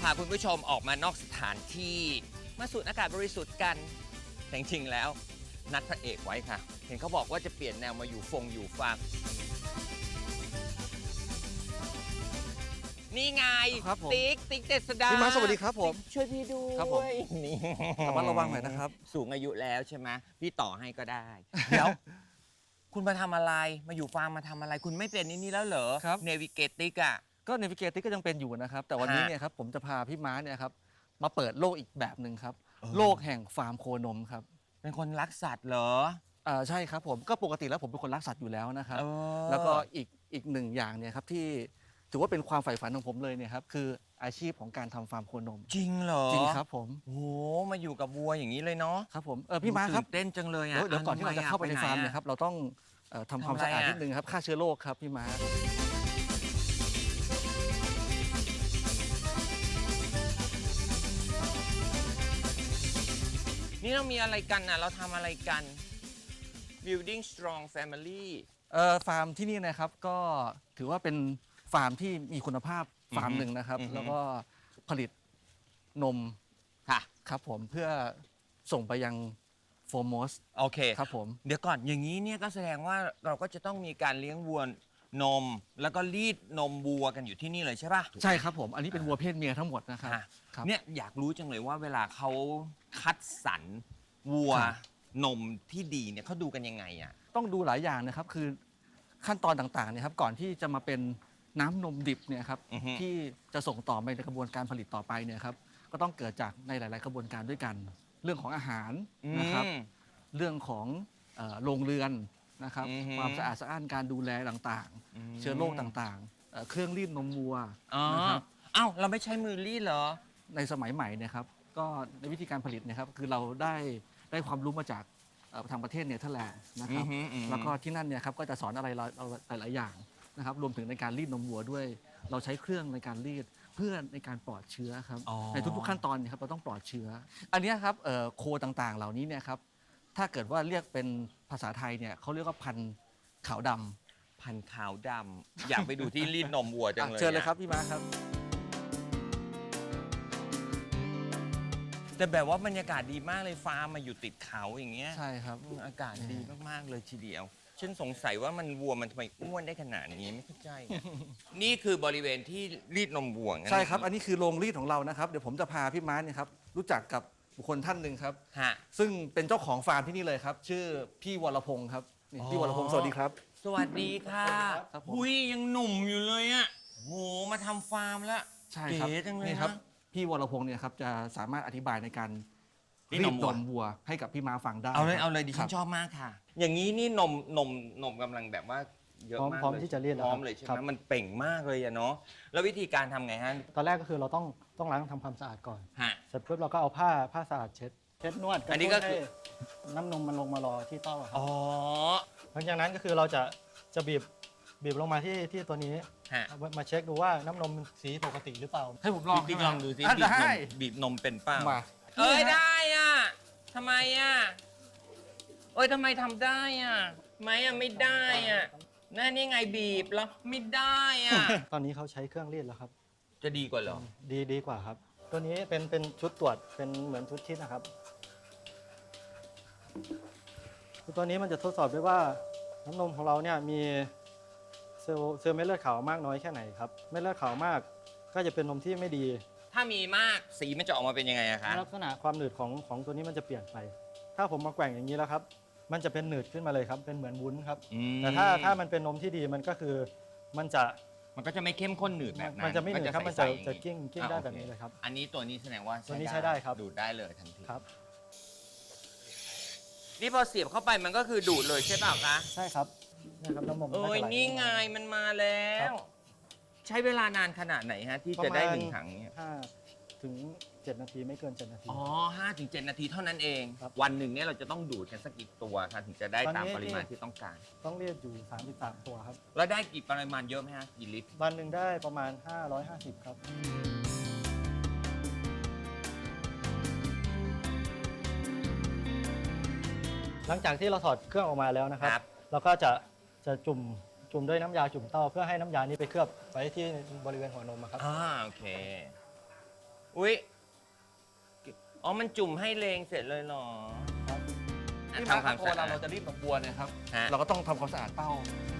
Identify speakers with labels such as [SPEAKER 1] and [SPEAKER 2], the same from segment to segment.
[SPEAKER 1] พาคุณผู้ชมออกมานอกสถานที่มาสูดอากาศบริสุทธิ์กันแต่จริงๆแล้วนัดพระเอกไว้ค่ะเห็นเขาบอกว่าจะเปลี่ยนแนวมาอยู่ฟาร์มนี่ไง
[SPEAKER 2] ครับผม
[SPEAKER 1] ติ๊กเจษดา
[SPEAKER 2] พี่ม้าสวัสดีครับผม
[SPEAKER 1] ช่วยพี่ด้วย
[SPEAKER 2] ครับผม
[SPEAKER 1] นี่
[SPEAKER 2] ระมัดระวังหน่อยนะครับ
[SPEAKER 1] สูงอายุแล้วใช่ไหมพี่ต่อให้ก็ได้ เดี๋ยว คุณมาทำอะไรมาอยู่ฟาร์มมาทำอะไร คุณไม่เป็นนี่แล้วเหรอ
[SPEAKER 2] ครับ
[SPEAKER 1] เนวิเกติกอะ
[SPEAKER 2] ก็เนวิเกติก็ยังเป็นอยู่นะครับ แต่วันนี้เนี่ยครับผมจะพาพี่ม้าเนี่ยครับมาเปิดโลกอีกแบบหนึ่งครับ โลกแห่งฟาร์มโคนมครับ
[SPEAKER 1] เป็นคนรักสัตว์เหรอ
[SPEAKER 2] ใช่ครับผมก็ปกติแล้วผมเป็นคนรักสัตว์อยู่แล้วนะครับ
[SPEAKER 1] เออ
[SPEAKER 2] แล้วก็อีกหนึ่งอย่างเนี่ยครับที่ถือว่าเป็นความใฝ่ฝันของผมเลยเนี่ยครับคืออาชีพของการทำฟาร์มโคนม
[SPEAKER 1] จริงเหรอ
[SPEAKER 2] จริงครับผม
[SPEAKER 1] โอ้โหมาอยู่กับวัวอย่างนี้เลยเนาะ
[SPEAKER 2] ครับผมพี่ม้าครับ
[SPEAKER 1] ตื่นเต้นจังเลยอะ
[SPEAKER 2] เดี๋ยวก่อนที่เราจะเข้าไปในฟาร์มเนี่ยครับเราต้องทำความสะอาด
[SPEAKER 1] ทำอะไรอะ
[SPEAKER 2] นิดนึงครับฆ่าเชื้อโรคครับพี่ม้า
[SPEAKER 1] นี่เรามีอะไรกันอะเราทำอะไรกัน building strong family
[SPEAKER 2] ฟาร์มที่นี่นะครับก็ถือว่าเป็นฟาร์มที่มีคุณภาพฟาร์มหนึ่งนะครับ
[SPEAKER 1] อือฮึ
[SPEAKER 2] แล้วก็ผลิตนม
[SPEAKER 1] ค่ะ
[SPEAKER 2] ครับผมเพื่อส่งไปยังโฟร์มอส
[SPEAKER 1] โอเค
[SPEAKER 2] ครับผม
[SPEAKER 1] เดี๋ยวก่อนอย่างนี้เนี่ยก็แสดงว่าเราก็จะต้องมีการเลี้ยงวัวนม แล้วก็รีดนมวัวกันอยู่ที่นี่เลยใช่ป่ะ
[SPEAKER 2] ใช่ครับผมอันนี้เป็นวัวเพศเมียทั้งหมดนะครับ
[SPEAKER 1] ค่ะ
[SPEAKER 2] ครับ
[SPEAKER 1] เนี่ยอยากรู้จังเลยว่าเวลาเขาคัดสรรวัว
[SPEAKER 2] ครับ
[SPEAKER 1] นมที่ดีเนี่ยเขาดูกันยังไงอ่ะ
[SPEAKER 2] ต้องดูหลายอย่างนะครับคือขั้นตอนต่างๆเนี่ยครับก่อนที่จะมาเป็นน้ำนมดิบเนี่ยครับ
[SPEAKER 1] อือฮึ
[SPEAKER 2] ที่จะส่งต่อไปในกระบวนการผลิตต่อไปเนี่ยครับก็ต้องเกิดจากในหลาย ๆ กระบวนการด้วยกัน เรื่องของอาหารนะครับ เรื่องของโรงเรือนนะครับ
[SPEAKER 1] อือฮึ
[SPEAKER 2] ความสะอาดสะอ้านการดูแลต่าง
[SPEAKER 1] อืม
[SPEAKER 2] ๆ เชื้อโรคต่างๆเครื่องรีดนมวัว
[SPEAKER 1] อ๋อ
[SPEAKER 2] นะครับ
[SPEAKER 1] เอ้าเราไม่ใช้มือรีดเหรอ
[SPEAKER 2] ในสมัยใหม่เนี่ยครับก็ในวิธีการผลิตเนะครับคือเราได้ความรู้มาจากทางประเทศเนเธอร์แลนด์นะครับ
[SPEAKER 1] อือฮึอือฮึ
[SPEAKER 2] แล้วก็ที่นั่นเนี่ยครับก็จะสอนอะไรเราหลายๆอย่างนะครับรวมถึงในการรีดนมวัวด้วย เราใช้เครื่องในการรีดเพื่อในการปลอดเชื้อครับ
[SPEAKER 1] อ๋อ
[SPEAKER 2] ในทุกๆขั้นตอนเนี่ยครับเราต้องปลอดเชื้อ อันเนี้ยครับโคต่างๆ เหล่านี้เนี่ยครับถ้าเกิดว่าเรียกเป็นภาษาไทยเนี่ยเขาเรียกว่าพันธุ์ขาวดำ
[SPEAKER 1] พันธุ์ขาวดำอยากไปดูที่รีดนมวัวจังเลย
[SPEAKER 2] เชิญเลย
[SPEAKER 1] อะ
[SPEAKER 2] ครับพี่มาครับ
[SPEAKER 1] แต่แบบว่าบรรยากาศดีมากเลยฟาร์มมาอยู่ติดเขาอย่างเงี้ย
[SPEAKER 2] ใช่ครับ
[SPEAKER 1] อากาศดีมากๆเลยทีเดียว ฉันสงสัยว่ามันวัวมันทำไมอ้วนได้ขนาดนี้ไม่เข้าใจอะ นี่คือบริเวณที่รีดนมวัวงั้น
[SPEAKER 2] ใช่ครับ อันนี้คือโรงรีดของเรานะครับ เดี๋ยวผมจะพาพี่ม้าเนี่ยครับรู้จักกับบุคคลท่านหนึ่งครับ
[SPEAKER 1] ฮะ
[SPEAKER 2] ซึ่งเป็นเจ้าของฟาร์มที่นี่เลยครับ ชื่อพี่วรพงศ์ครับนี่
[SPEAKER 1] อ๋อ
[SPEAKER 2] พี่วรพงศ์สวัสดีครับ
[SPEAKER 1] สวัสดีค่ะ
[SPEAKER 2] ครับผม
[SPEAKER 1] หุยยังหนุ่มอยู่เลยอ่ะโหมาทำฟาร์มแล้ว
[SPEAKER 2] ใช่ครับ
[SPEAKER 1] เก๋จังเลย
[SPEAKER 2] นี่
[SPEAKER 1] นะครับ
[SPEAKER 2] พี่วรพงศ์เนี่ยครับจะสามารถอธิบายในการ
[SPEAKER 1] รี
[SPEAKER 2] รี
[SPEAKER 1] ด
[SPEAKER 2] ด
[SPEAKER 1] น
[SPEAKER 2] น
[SPEAKER 1] ม
[SPEAKER 2] ม
[SPEAKER 1] วัว
[SPEAKER 2] วัวให้กับพี่ม้าฟังได้
[SPEAKER 1] เอาเลยดิฉัน
[SPEAKER 2] ครับ
[SPEAKER 1] ชอบมากค่ะ อย่างนี้นี่นมกำลังแบบว่าเยอะมาก
[SPEAKER 3] พร้อม
[SPEAKER 1] เลย
[SPEAKER 3] ที่จะรีดแล้ว
[SPEAKER 1] พร้อม
[SPEAKER 3] ครับ
[SPEAKER 1] เลยใช่ไห
[SPEAKER 3] ครั
[SPEAKER 1] ม
[SPEAKER 3] บ
[SPEAKER 1] มันเป่งมากเลยอะเนาะแล้ววิธีการทำไงฮะ
[SPEAKER 3] ตอนแรกก็คือเราต้องล้างทำความสะอาดก่อน
[SPEAKER 1] ฮะ
[SPEAKER 3] เสร็จปุ๊บเราก็เอาผ้าสะอาดเช็ดนวด
[SPEAKER 1] อันนี้ก็คือ
[SPEAKER 3] ให้น้ำนมมันลงมารอที่เต้าอะครับ
[SPEAKER 1] อ๋อ
[SPEAKER 3] หลังจากนั้นก็คือเราจะบีบลงมาที่ตัวนี้
[SPEAKER 1] ฮะ
[SPEAKER 3] เอามาเช็คดูว่าน้ำนมมันสีปกติหรือเปล่า
[SPEAKER 2] ให้ผมลอง
[SPEAKER 1] บิ๊ก
[SPEAKER 2] ใช่ไหม
[SPEAKER 1] ลองดูสิ
[SPEAKER 2] อ่ะได้
[SPEAKER 1] บีบนมเป็นเป้า
[SPEAKER 2] มา
[SPEAKER 1] เอ้ยได้อ่ะทำไมอ่ะเอ้ยทำไมทำได้อ่ะไม่อ่ะไม่ได้อ่ะนั่นนี่ไงบีบแล้วไม่ได้อ่ะ
[SPEAKER 3] ตอนนี้เขาใช้เครื่องรีดแล้วครับ
[SPEAKER 1] จะดีกว่าเหรอ
[SPEAKER 3] ดีกว่าครับ ตัวนี้เป็นชุดตรวจเป็นเหมือนชุดคิดนะครับคือตัวนี้มันจะทดสอบด้วยว่าน้ำนมของเราเนี่ยมีเซลล์เม็ดเลือดขาวมากน้อยแค่ไหนครับเม็ดเลือดขาวมากก็จะเป็นนมที่ไม่ดี
[SPEAKER 1] ถ้ามีมากสีมันจะออกมาเป็นยังไงอะคะ
[SPEAKER 3] ลักษณะความหนืดของตัวนี้มันจะเปลี่ยนไป ถ้าผมมาแกว่งอย่างนี้แล้วครับ มันจะเป็นหนืดขึ้นมาเลยครับ เป็นเหมือนวุ้นครับ แต่ถ้ามันเป็นนมที่ดีมันก็คือมันจะ
[SPEAKER 1] มันก็จะไม่เข้มข้นหนืดแบบนั้น
[SPEAKER 3] มันจะไม่หนืดครับ มัน
[SPEAKER 1] ใส
[SPEAKER 3] จะ
[SPEAKER 1] ๆอย่าง
[SPEAKER 3] จะ
[SPEAKER 1] นี้
[SPEAKER 3] กิ้งได้
[SPEAKER 1] อ่ะ
[SPEAKER 3] แบบนี้เลยครับ
[SPEAKER 1] อันนี้ตัวนี้แสดงว่า
[SPEAKER 3] ตัวนี้ใช้ได้ครับ
[SPEAKER 1] ดูดได้เลยทันที
[SPEAKER 3] ครับ
[SPEAKER 1] นี่พอเสียบเข้าไปมันก็คือดูดเลยใช่เปล่าคะ
[SPEAKER 3] ใช่ครับนะครับน้ำนมมั
[SPEAKER 1] เอ้
[SPEAKER 3] ก็
[SPEAKER 1] ย
[SPEAKER 3] จะหล
[SPEAKER 1] นี่ไง
[SPEAKER 3] ลง
[SPEAKER 1] มันมาแล้ว ใช้เวลานานขนาดไหนฮะ ที่จะได้หนึ่งถังเนี่ย
[SPEAKER 3] 5 ถึง 7 นาทีไม่เกิน 7 นาที
[SPEAKER 1] อ๋อ5-7 นาทีเท่านั้นเอง
[SPEAKER 3] ครับ
[SPEAKER 1] วันหนึ่งเนี่ยเราจะต้องดูดกันสักกี่ตัวคะถึงจะได้
[SPEAKER 3] ตอนนี้
[SPEAKER 1] ตามปริมาณที่ต้องการ
[SPEAKER 3] ต้องเรียกอยู่ 33 ตัวครับ
[SPEAKER 1] แล้วได้กี่ปริมาณเยอะไหมฮะกี่ลิตร
[SPEAKER 3] วันหนึ่งได้ประมาณ 550 ครับ หลังจากที่เราถอดเครื่องออกมาแล้วนะครับ
[SPEAKER 1] ครับ
[SPEAKER 3] เราก็จะจุ่มด้วยน้ำยาจุ่มเต้าเพื่อให้น้ำยานี้ไปเคลือบไว้ที่บริเวณหัวนมอะครับ
[SPEAKER 1] โอเคอุ๊ยอ๋อมันจุ่มให้เลงเสร็จเลยเหรอ
[SPEAKER 2] ที่
[SPEAKER 1] ทำความ
[SPEAKER 2] โค
[SPEAKER 1] สะอาด
[SPEAKER 2] เราจะรีดนมวัวเนี่ยครับ
[SPEAKER 1] ฮะ
[SPEAKER 2] เราก็ต้องทำความสะอาดเต้า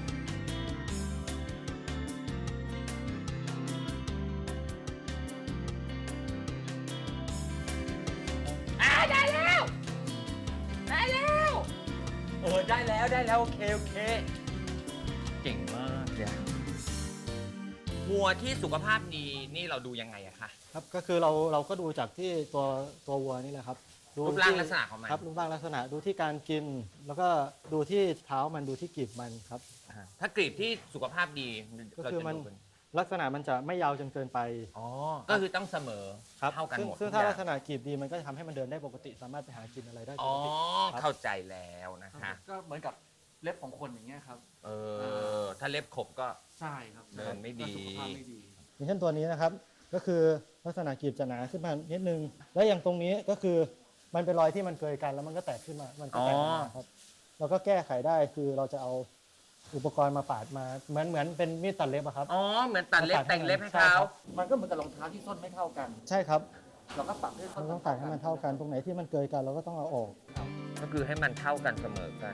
[SPEAKER 1] ได้แล้ว ได้แล้วได้แล้วโอเคเก่งมากเลยวัวที่สุขภาพดีนี่เราดูยังไงอะคะ
[SPEAKER 3] ครับก็คือเราก็ดูจากที่ตัววัวนี่แหละครับดู
[SPEAKER 1] รูปร่าง
[SPEAKER 3] ที่
[SPEAKER 1] ลักษณะของมัน
[SPEAKER 3] ครับรูปร่างลักษณะดูที่การกิน แล้วก็ดูที่เท้ามันดูที่กีบมันครับ
[SPEAKER 1] ถ้ากรีบที่สุขภาพดี
[SPEAKER 3] ก็
[SPEAKER 1] เรา
[SPEAKER 3] คือ
[SPEAKER 1] จะ
[SPEAKER 3] มัน
[SPEAKER 1] ดูกัน
[SPEAKER 3] ลักษณะมันจะไม่ยาวจนเกินไป
[SPEAKER 1] อ๋อก็คือต้องเสมอ
[SPEAKER 3] ครับ
[SPEAKER 1] เท่ากันหมด
[SPEAKER 3] ซึ่ง
[SPEAKER 1] ทุ
[SPEAKER 3] ถ้า
[SPEAKER 1] อย่
[SPEAKER 3] ลักษณะกีบดีมันก็จะทำให้มันเดินได้ปกติ สามารถไปหากินอะไรได้ป
[SPEAKER 1] อ๋อก
[SPEAKER 3] ติ
[SPEAKER 1] เข้าใจแล้วนะคะ
[SPEAKER 2] ก็เหมือนกับเล็บของคนอย่างเงี้ยครับ
[SPEAKER 1] ถ้าเล็บขบก็
[SPEAKER 2] ใช่ครับ
[SPEAKER 1] เดินไม่ดี
[SPEAKER 2] ก็สุขภาพไม่ดี
[SPEAKER 3] อย่างเช่นตัวนี้นะครับ ก็คือลักษณะกีบจะหนาขึ้นมานิดนึง แล้วอย่างตรงนี้ก็คือมันเป็นรอยที่มันเกยกันแล้วมันก็แตกขึ้นมา มันก็แตกออกมาครับ เราก็แก้ไขได้คือเราจะเอาอุปกรณ์มาปาดมาเหมือนเป็นมีดตัดเล็บอะครับ
[SPEAKER 1] อ๋อเหมือนตัดเล็บแต่งเล็บให้
[SPEAKER 3] ใช่
[SPEAKER 1] เขา
[SPEAKER 3] ครับ
[SPEAKER 2] มันก็เหมือนกับรองเท้าที่ส้นไม่เท่ากัน
[SPEAKER 3] ใช่ครับ
[SPEAKER 2] เราก็ปรับให้ส้
[SPEAKER 3] เรา
[SPEAKER 2] น
[SPEAKER 3] ต้องตัดให้มันเท่ากัน ตรงไหนที่มันเกยกันเราก็ต้องเอาออก
[SPEAKER 1] ก็คือให้มันเท่ากันเสมอกัน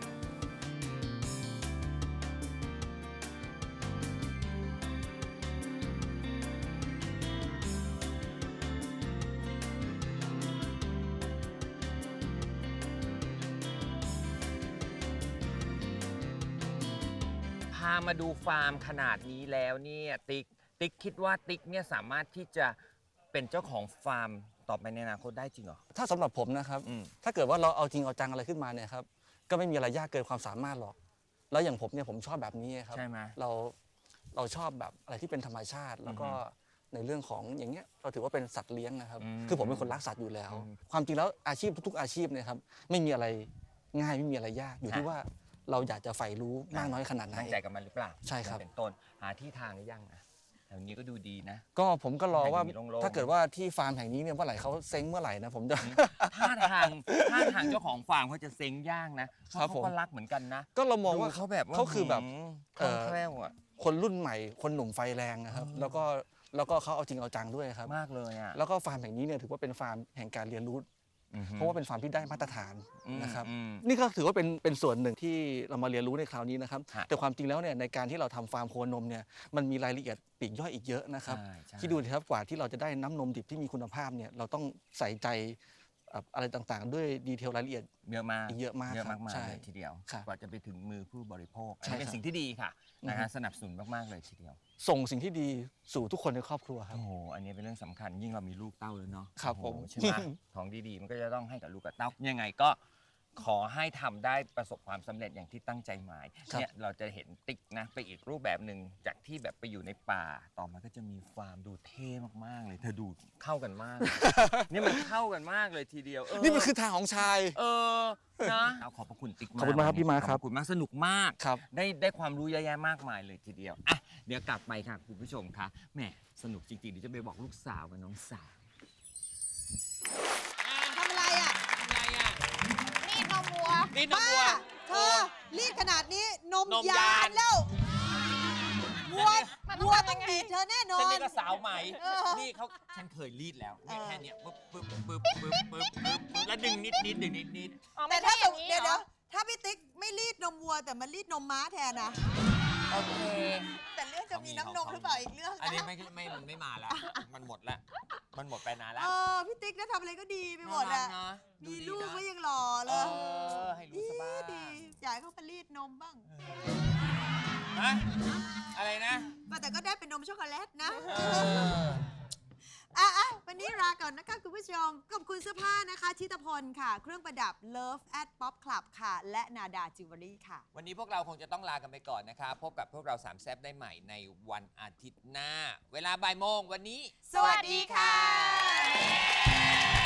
[SPEAKER 1] พามาดูฟาร์มขนาดนี้แล้วเนี่ยติ๊กคิดว่าติ๊กเนี่ยสามารถที่จะเป็นเจ้าของฟาร์มต่อไปในอนาคตได้จริงเหรอ
[SPEAKER 2] ถ้าสำหรับผมนะครับ
[SPEAKER 1] อืม
[SPEAKER 2] ถ้าเกิดว่าเราเอาจริงเอาจังอะไรขึ้นมาเนี่ยครับ ก็ไม่มีอะไรยากเกินความสามารถหรอก แล้วอย่างผมเนี่ยผมชอบแบบนี้ครับ
[SPEAKER 1] ใช่ไหม
[SPEAKER 2] เราชอบแบบอะไรที่เป็นธรรมชาติ แล้วก็ในเรื่องของอย่างเงี้ยเราถือว่าเป็นสัตว์เลี้ยงนะครับ คือผมเป็นคนรักสัตว์อยู่แล้ว ความจริงแล้วอาชีพทุกๆอาชีพเนี่ยครับไม่มีอะไรง่ายไม่มีอะไรยาก อยู่ที่ว่าเราอยากจะใฝ่รู้มากน้อยขนาดไหน
[SPEAKER 1] ตั้งใจกับมันหรือเปล่า
[SPEAKER 2] ใช่ครับ
[SPEAKER 1] เป็นต้นหาที่ทางหรือยังอะแถวนี้ก็ดูดีนะ
[SPEAKER 2] ก็ผมก็รอว่า
[SPEAKER 1] ให้มันมีโล่งๆ
[SPEAKER 2] ถ้าเกิดว่าที่ฟาร์มแห่งนี้เนี่ยเมื่อไหร่เขาเซ้งเมื่อไหร่นะผมจะ
[SPEAKER 1] ท่าทางเจ้าของฟาร์มเขาจะเซ็งย่างนะเพ
[SPEAKER 2] ครับ
[SPEAKER 1] ราะ
[SPEAKER 2] ผม
[SPEAKER 1] เขาก็รักเหมือนกันนะ
[SPEAKER 2] ก็เรามองว่า
[SPEAKER 1] ดูเขาแบบว่า
[SPEAKER 2] เขาคือแบบ
[SPEAKER 1] คล่องแคล่วอ่ะ
[SPEAKER 2] คนรุ่นใหม่ คนหนุ่มไฟแรงนะครับ แล้วก็เขาเอาจริงเอาจังด้วยครับ
[SPEAKER 1] มากเลยอ่ะ
[SPEAKER 2] แล้วก็ฟาร์มแห่งนี้เนี่ยถือว่าเป็นฟาร์มแห่งการเรียนรู้ เพราะว่าเป็นฟาร์มที่ได้มาตรฐานนะครับ นี่ก็ถือว่าเป็นส่วนหนึ่งที่เรามาเรียนรู้ในคราวนี้นะครับ
[SPEAKER 1] ฮะ
[SPEAKER 2] แต่ความจริงแล้วเนี่ยในการที่เราทำฟาร์มโคนมเนี่ยมันมีรายละเอียดปลีกย่อยอีกเยอะนะครับ
[SPEAKER 1] ใช่
[SPEAKER 2] ที่ดูนะครับกว่าที่เราจะได้น้ำนมดิบที่มีคุณภาพเนี่ยเราต้องใส่ใจอะไรต่างๆ ด้วยดีเทลรายละเอียด
[SPEAKER 1] เยอะมาก
[SPEAKER 2] เยอะมาก
[SPEAKER 1] เยอะ
[SPEAKER 2] ครับ
[SPEAKER 1] มาก
[SPEAKER 2] ใช่
[SPEAKER 1] ๆเลยทีเดียว
[SPEAKER 2] ครับ
[SPEAKER 1] กว่าจะไปถึงมือผู้บริโภคอัน
[SPEAKER 2] ใช่
[SPEAKER 1] นี้เป็น
[SPEAKER 2] ครับ
[SPEAKER 1] สิ่งที่ดีค่ะนะฮะสนับสนุนมากๆเลยทีเดียว
[SPEAKER 2] ส่งสิ่งที่ดีสู่ทุกคนในครอบครัวครับ
[SPEAKER 1] โอ้โหอันนี้เป็นเรื่องสำคัญยิ่งเรามีลูกเต้าแล้วเนาะ
[SPEAKER 2] ครับ
[SPEAKER 1] โอ้โห
[SPEAKER 2] ผม
[SPEAKER 1] ใช่ไหม ของดีๆมันก็จะต้องให้กับลูกกับเต้ายังไงก็ขอให้ทำได้ประสบความสำเร็จอย่างที่ตั้งใจหมายเนี่ยเราจะเห็นติ๊กนะไปอีกรูปแบบหนึ่งจากที่แบบไปอยู่ในป่าต่อมาก็จะมีฟาร์มดูเท่มากๆเลยเธอดูเข้ากันมาก นี่มันเข้ากันมากเลยทีเดียว
[SPEAKER 2] นี่มันคือทางของชาย
[SPEAKER 1] นะเอาขอบพระคุณติ๊กมาก
[SPEAKER 2] ขอบคุณมากครับพี่ม้าครับ
[SPEAKER 1] ขอบคุณมากสนุกมาก
[SPEAKER 2] ครับ
[SPEAKER 1] ได้ความรู้เยอะแยะมากมายเลยทีเดียวอ่ะเดี๋ยวกลับไปค่ะคุณผู้ชมคะแหมสนุกจริงๆเดี๋ยวจะไปบอกลูกสาวกับน้องสาว
[SPEAKER 4] ทำอะไรอ่ะ
[SPEAKER 1] อะไรอ่ะ
[SPEAKER 4] รีดนมวัว
[SPEAKER 1] รีดนมวัว
[SPEAKER 4] บ้าเธอรีดขนาดนี้นม
[SPEAKER 1] นม
[SPEAKER 4] ยาย
[SPEAKER 1] าน
[SPEAKER 4] นแล้ววัว
[SPEAKER 1] มันต้อง
[SPEAKER 4] วัว
[SPEAKER 1] ทำยั
[SPEAKER 4] ต้อง
[SPEAKER 1] งไง
[SPEAKER 4] บีบเธอแน่นอ
[SPEAKER 1] ฉัน
[SPEAKER 4] น
[SPEAKER 1] นี่ก็สาวใหม่
[SPEAKER 4] เออ
[SPEAKER 1] นี่เขาฉันเคยรีดแล้วเนี่ย
[SPEAKER 4] เออ
[SPEAKER 1] แค่เนี้ยปึ๊บปึ๊บปึ๊บปึ๊บปึ๊บปึ๊บแล้วดึงนิดนิดดึงนิดนิด
[SPEAKER 4] แต่ถ้าเดี๋ยวถ้าพี่ติ๊กไม่รีดนมวัวแต่มันรีดนมม้าแทนนะ
[SPEAKER 1] โอเค
[SPEAKER 4] แต่เรื่องจะมีน้ำนมหรือเปล่าอีกเรื่อง
[SPEAKER 1] อันนี้
[SPEAKER 4] นะ
[SPEAKER 1] มันไม่มาแล้วมันหมดละมันหมดไปนานแล้ว
[SPEAKER 4] พี่ติ๊กนะทำอะไรก็ดีไปหมด
[SPEAKER 1] น่า
[SPEAKER 4] อะ
[SPEAKER 1] รักนะดู
[SPEAKER 4] มี
[SPEAKER 1] ดี
[SPEAKER 4] ลูก
[SPEAKER 1] นะ
[SPEAKER 4] ก็ยังหล่อเลย
[SPEAKER 1] ให้รู้สบาย
[SPEAKER 4] ดีอยากให้เขามารีดนมบ้าง
[SPEAKER 1] ฮะอะไรนะ
[SPEAKER 4] แต่ก็ได้เป็นนมช็อกโกแลตนะ
[SPEAKER 1] เออ
[SPEAKER 4] วันนี้ลาก่อนนะคะคุณผู้ชม ขอบคุณเสื้อผ้านะคะชิตพลค่ะ เครื่องประดับ Love at Pop Club ค่ะ และนาดาจิวเวลรี่ค่ะ
[SPEAKER 1] วันนี้พวกเราคงจะต้องลากันไปก่อนนะคะพบกับพวกเราสามแซบได้ใหม่ในวันอาทิตย์หน้า เวลาบ่ายโมงวันนี้
[SPEAKER 4] สวัสดีค่ะ